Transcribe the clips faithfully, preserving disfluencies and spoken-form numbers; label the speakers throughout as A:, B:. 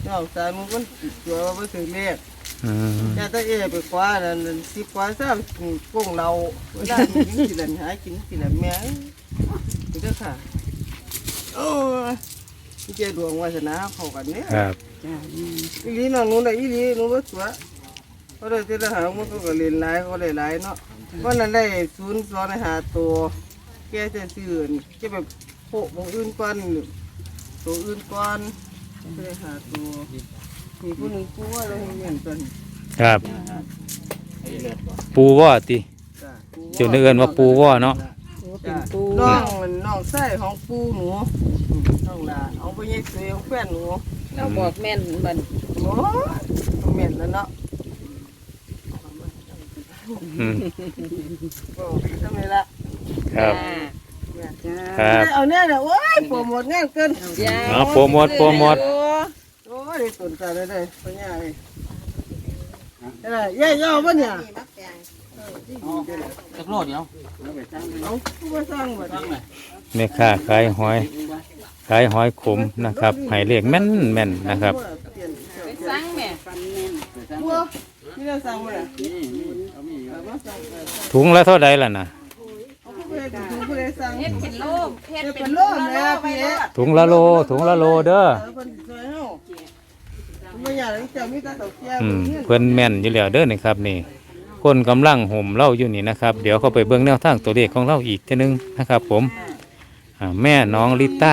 A: น้องสาวมึงมันตัวว่าบ่ถึงเลข
B: อืม
A: แต่ถ้าเอไปคว้านั่นสิคว้าซ้ำกุ้งเราเวลากินสิลันหากินสิลันแม่นี่ก็ค่ะโอ้ยเจ้าดวงวาสนาเข้ากันเนี่ย
B: ครับ
A: อีลีน้องหนูได้อีลีหนูบ่ตัวเขาได้แต่ละหามันก็เล่นหลายเขาได้หลายเนาะวันนั้นได้ศูนย์สองในหาตัวแกจะซื้อแกแบบโปะของอื่นก่อนตัวอื่นก่อนก็ได้หาตัวมีผู้หนึ่งผู้ว่าเราเห็นกัน
B: ครับ ปูว่าติ
A: จ้ะ
B: เจ้าเนื้อเอิ้นว่าปูว่าเนาะ
A: จ้ะน้องมันน้องไส้ของปูหนูน้องลาเอาไปยัยตัวของแฟนหนู
C: เราบอกแม่นบัน
A: โอ้เหม็นแล้วเนาะ
B: อืม
A: ก็ทำไมละ
B: ครับ
C: จ้า
B: ครับ
A: เอาเนี่ยเด้อโอ้ยโปรโมทงานเกิน
B: เอาโปรโมทโปรโมท
A: โอ้ยตุนใจเลยเลยปัญญาเลยอะไรย่าย่อป่ะเนี่ย
D: จักโลดเดียว
A: เอาผู้ว่าสร้างบ่ได้
B: แม่ค้าขายหอยขายหอยขมนะครับให้เลขแม่นแม่นนะครับ
C: ไปสั่งแม่
A: บัวที่เราสร้างบ่ได้เอามาสร้างเอา
B: ถุงละเท่าใดล่ะนะ
A: ผู้ใดดูผู้ใดสร้าง
C: เฮ็ดเป็นโลกเฮ็ด
A: เฮ็ด
C: เป็
A: เป็น น
C: โล
A: โล
C: ก
A: ก
C: แล้
A: แล้ว ว
C: พี่
A: พี่
C: เอ๊ะ
B: ถุงละโลถุงละโลเด้อ
A: เพิ่นช่วยเฮาบ่อยากให้เจ้ามีแต่ตกแก่
B: อื
A: บ่
B: ม
A: เฮียน
B: เพิ่นแม่นอยู่แล้วเด้อนี่ครับนี่คนกำลังห่มเหล่าอยู่นี่นะครับ เดี๋ยวเขาไปเบิ่งแนวทางตัวเลขของเราอีกทีนึงนะครับ ผมอ่าแม่น้องลิต้า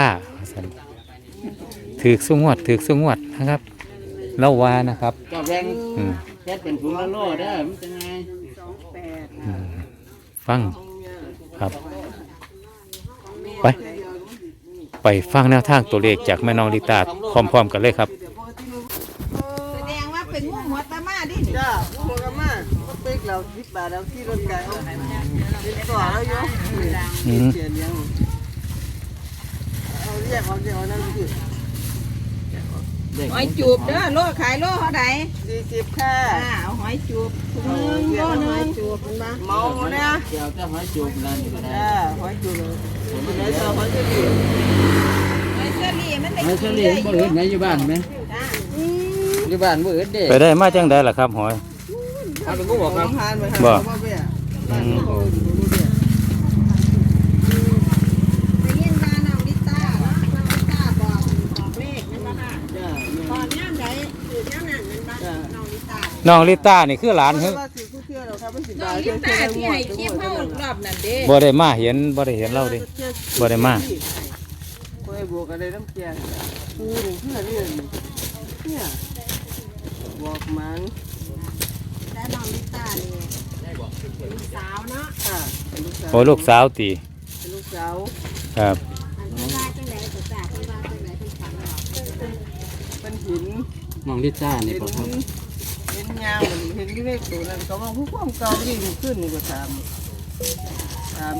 B: ถือสุงวดถือสุงวดนะครับเล่าว่านะครับ
D: เจ้าแรง
B: อืม
D: แค่เป็นถุงละโลเด้อมันจะไง
B: อืมฟังครับ ไป ไปฟังแนวทางตัวเลขจากแม่น้องลิต้าพร้อมๆกันเลยครับ
C: แสดงว่าเป็นงูหัวตามาดิ
A: จ้าผู้หัวกะมาบ่เป๊กแล้วสิบบาทแล้วที่รถไก่เอาเป็นต่อแล้วอยู่
B: อืม
A: เสียเลี้ยงเอาเรียกเอาเรียกเอานั่นคือ
C: หอยจูบเด้อโลขายโลเท่าใด
A: สี่สิบค่ะ
C: อ่าเอาหอยจูบถุงหนึงโลหนึงจูบมันมา
A: เมาเนี่ย
D: เจ้าจะหอยจูบนั่นก็ได้
A: จ้าหอยจุ๊บเลยเดี๋ยวจะหอยจุ๊บ
C: หอยเชอรี่มันได้
D: หอยเฉลี่ยบ่เห็นไหนอยู่บ้านไหม
C: จ้า
D: อยู่บ้านบ่เห็นเด้
B: ไปได้มาจังได้ล่ะครับหอย
D: เอาไปกูบอกครับ
A: ทานไป
B: บ่
A: อืม
C: ได้ยินว่าน้องลิต้าเนาะน้องลิต้าบอกบอกเลขนั่นบ่ค่ะ
A: จ้า
C: ตอนย่ามใดคือย้ามนั้นนั่นบ่น้องลิต้า
B: น้องลิต้านี่คือหลานเฮ้ย
A: ว่าสิผู้เที่ยวเราครับมันสิ
C: น้
A: บา
C: อง
A: ท
C: ลิต้าที่ให้คลิปเฮารอบนั้นเด้
B: บ่ได้มาเห็นบ่ได้เห็นเราเดิ บ่ได้มา
A: บ่ได้บวกอะไรน้ำเกลือปูนี่เพื่อนนี่เนี่ยบอกมัน
C: และน้องลิต้านี่เป็นลูกสาวเนาะ
A: ค่ะเป็นลูกสาว
B: โอ้ลูกสาวตี
A: เป็นลูกสาว
B: ครับ
C: อันนี้ว่าจังได๋ก็จ้าเพิ่นว่าจังได๋เพิ่นฝันว่า
A: เป็นหิน
D: น้องลิซ่านี่
A: เห็น
D: บ่ครับ
A: เห็นยางมันเห็นที่เลขตัวนั้นก็ว่าผู้ความเก่าที่ดูขึ้นนี่ก็ถามถาม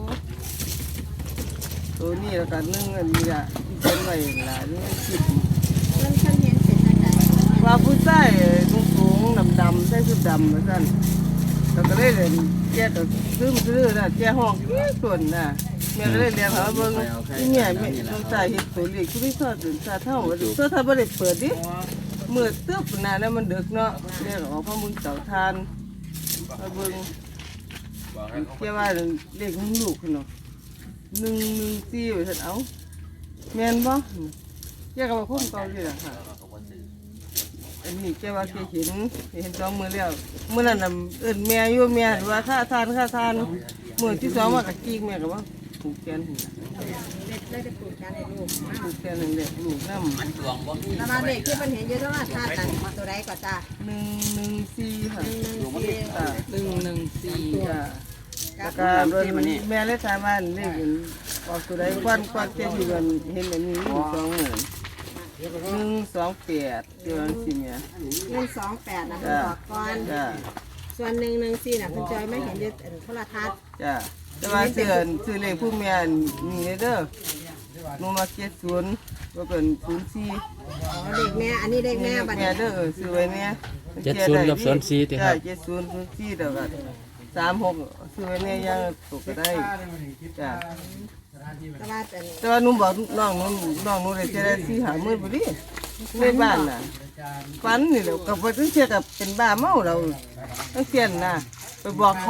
A: โอ้ตัวนี้แล้วกันนึ่งอันนี้ละที่เป็นไว้ล่ะนี่คิด
C: เพิ่นเพิ่นเห็นเป็นจังได๋
A: ว่าผู้ชายสูงสูงดำดำๆใส่ชุดดำมาสั่นแล้วก็เลยเรียนแก่ตัวซึมซื้อน่ะแก่ห้องเกี้ยส่วนน่ะแม่ก็เลยเรียนหาเบิ่งที่เนี่ยแม่ต้องใส่เฮ็ดตัวเลขที่ไม่ทอดถึงซาเท่าว่าดิเสื้อถ้าบ่ได้เปิดดิมืดตึ๊บน่ะแล้วมันดึกเนาะเรียกออกมามึงเต่าทานมาเบิ่งแก่ว่าเลขของลูกเนาะหนึ่งหนึ่งสี่ว่าซั่นเอาแม่นบ่แกก็ว่าคนเก่าอยู่ล่ะค่ะ อันนี้แกว่าแกเห็นเห็นสองมือแล้วเมื่อนั้นน่ะเอิ้นแม่อยู่แม่ว่าค่าทานค่าทานมือที่สองมากับจีกแม่ก็ว่าผูกแขนหุ่น
C: เด็กได้จะปลูกกันให้ลูก
A: ผูกแขนหนึ่งเด็กลูกน้ำ
C: แล้วมาเด็กที่เพิ่นเห็นอยู่โทรทัศน์นั่นตัวใดก็จ้า
A: หนึ่งหนึ่งสี่ค่ะ
C: หนึ่งหนึ่งสี่
A: ค่ะ
D: หนึ่งหนึ่งสี่
A: ค่ะแล้วก็โดนแม่เลยถามว่าเลขออกตัวใดควันควันแกอยู่กันเห็นแบบนี้อยู่สองหมื่นหนึ่งสองแปดเดือนสี่เนี่ย
C: หนึ่งสองแปดนะเพิ่นบอกก่อน
A: จ้า
C: ส่วนหนึ่งหนึ่งสี่น่ะเพิ่นจอยไม่เห็นอยู่โทรทัศน์
A: จ้าแต่ว่าซื้อซื้อเลขผู้แม่นี่เด้อหนูมาเจ็ดศูนย์ก็เป็นศูนย์สี่
C: อ๋อเด็กแม่อันนี้เด็กแม่บัด
A: แม่
C: นี้
A: เด้อเออซื้อไว้เนี่ย
D: เจ็ดศูนย์กับศูนย์สี่ติครับ
A: จ้าเจ็ดศูนย์ศูนย์สี่เด้อกันสามหกซื้อไว้เนี่ยยังตกก็ได้จ้า
C: แต่ว่าเป็น
A: แต่ว่าหนูบอกน้องหนูน้องหนูได้จะได้สี่หาหมื่นพอดีในบ้านน่ะฝันนี่แหละกับว่าตั้งเทียกับเป็นบ้าเมาเราตั้งเทียนน่ะไปบอกเขา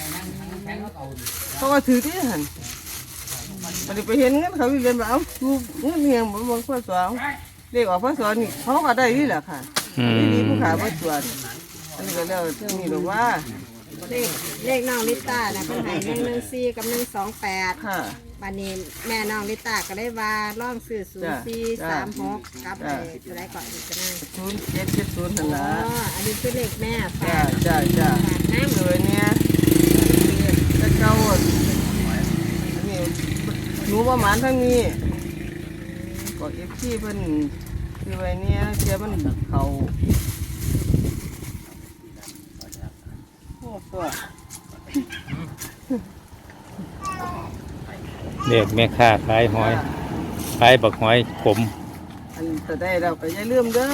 A: เขาก็ถือที่หันมันไปเห็นเงินเขาอยู่เรียนมาเอาดูเงินเงียงบนบนข้อสองเรียกออกข้อสองนี่เขาก็ได้นี่แหละค่ะนี่ดีผู้ขาผู้ตรวจอันนี้ก็เรียกนี่หรือว่า
C: เลขเลขน้องลิต้านะเป็นไหหนึ่งหนึ่งสี่กับหนึ่งสองแปด
A: ค่ะ
C: บัดนี้แม่น้องลิต้าก็ได้ว่าร่องสื่อศูนย์สี่สามหกกับไอ้ตัวใดก่อนอีกก็ได้
A: ศูนย์เจ็ดเจ็ดศูนย์นั่น
C: อ๋อ
A: ละ
C: อันนี้คือเลขแม่
A: จ้า
C: ฝาก
A: จ้าจ้า
C: ฝากน้ำ
A: เลยเนี่ยจะเก้าอันนี้หนูประมาณทั้งนี้ก็เอฟซีเพิ่นคือไว้เนี่ยเจ้ามันเขาโอ้ตัว
B: เรียกแม่ค้าขายหอยขายบักหอยขม
A: อันจะได้เราก็อย่าลืมเด้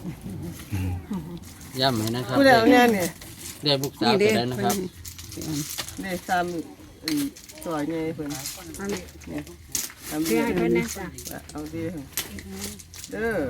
A: อ
D: ย้ำให้นะครับ
A: ผู้ใดเอาเนี่ยนี่
D: ได้บุกสาวตัวใดนะครับ
A: ได้ซ้ำอันซอยไงเพิ่น
C: อันนี้
A: เนี่ยทำ
C: เพื่อให้เพิ่นนะจ้ะ
A: เอาดีเด้อ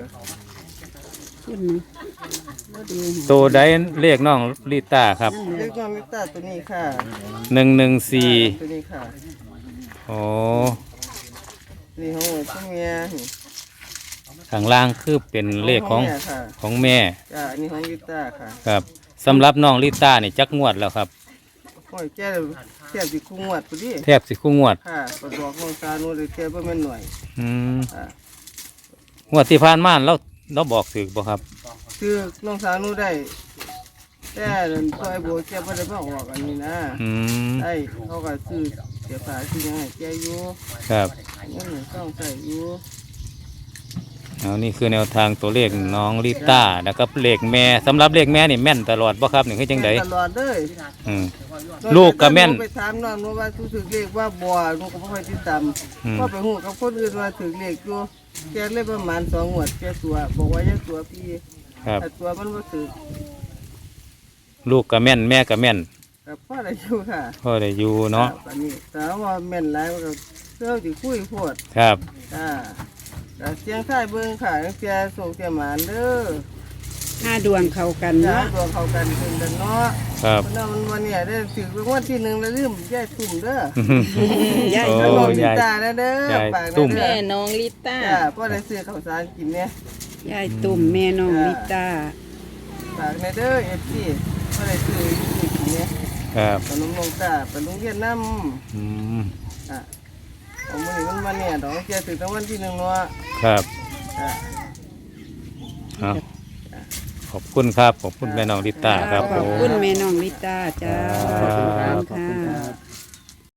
B: ตัวใดเรียกน้องลิต้าครับ
A: เล็กน้องลิต้าตัวนี้ค่ะ
B: หนึ่งหนึ่งสี่
A: ตัวนี้ค่ะ
B: โอ้
A: นี่ของหัวตัวเมีย
B: ข้างล่างคือเป็นเลขของ
A: แม่ค่ะ
B: ของแม่
A: จ้าอันนี้ของลิต้าค่ะ
B: ครับสำหรับน้องลิต้านี่จักงวดแล้วครับ
A: โอ้ยแก่แก่สิคุ้งวดพอดี
B: แทบสิคู่งวด
A: ค่ะปบอกของตาโนเลยแก่บ่แม่นหน่อย
B: อืม
A: ค่ะ
B: งวดที่ผ่านมาเราเราบอกถึกบ่ครับ
A: คือน้องสาวหนูได้แต่ซอยโบแก่บ่ได้มาออกอันนี้นะ
B: อืม
A: ได้เขาก็ซื้อเสียภาษียังไงแก่อยู่
B: ครับ
A: เงินต้องใส่อยู่
B: เอานี่คือแนวทางตัวเลขน้องลิต้านะครับเลขแม่สำหรับเลขแม่นี่แม่นตลอดบ่ครับนี่คือจังได
A: ตลอดเลย
B: อืม ลูกก็แม่น
A: ไปถามน้องว่าว่าถือเลขว่าบ่หนูก็บ่ค่อยติดตาม
B: อืม
A: ก็ไปฮู้กับคนอื่นว่าถือเลขอยู่แกเลยประมาณสองงวดแกตัวบอกว่าอย่าตัวพี่
B: ครับ
A: แต่ตัวมันบ่ถือ
B: ลูกก็แม่นแม่ก็แม่น
A: กับพ่อได้อยู่ค่ะ
B: พ่อได้อยู่เนาะ
A: อันนี้แต่ว่าแม่นหลายมันก็เสื้อสิคุยโพด
B: ครับ
A: อ่าแต่เสียงท้ายเบิ่งค่ะเสียส่งเสียหมานเด้อ
C: ห้าดวงเข้ากัน
A: จ้า
C: เนาะ
A: ตัวเขากันขึ้นกันเนาะ
B: ครับ
A: เพราะนั้นมันวันเนี้ยได้ถือเป็นวันที่หนึ่งแล้วลืมยายตุ่มเด้อ
C: ยาย
B: โอ้
A: แล้วน้องลิ
B: ยาย
A: ตาเด้อย
B: าย
A: ฝาก
B: ตุ่ม
A: เด้
C: แม่
A: อ
C: น้องลิต้า
A: จ้าพ่อได้ซื้อข้าวสารกินเนี่ย
C: ยายตุ่มแม่น้องลิต้า
A: ฝากในเด้อเอฟซีพ่อได้ซื้อกินเนี่ย
B: ครับ
A: ขนมนงตาไปโรงเรียนน้
B: อืม
A: ำอ่ะเอามื้อนี้มันวันเนี่ยดอกเจ้าถือตั้งวันที่หนึ่งเนาะ
B: ครับ
A: อ่ะ
B: เอาขอบคุณครับขอบคุณแม่น้องลิต้าครับ
C: ข
B: ผ
C: อบ
B: ม
C: คุณแม่น้องลิต้าจ้า
B: ครับ
C: ขอบคุณค่ะ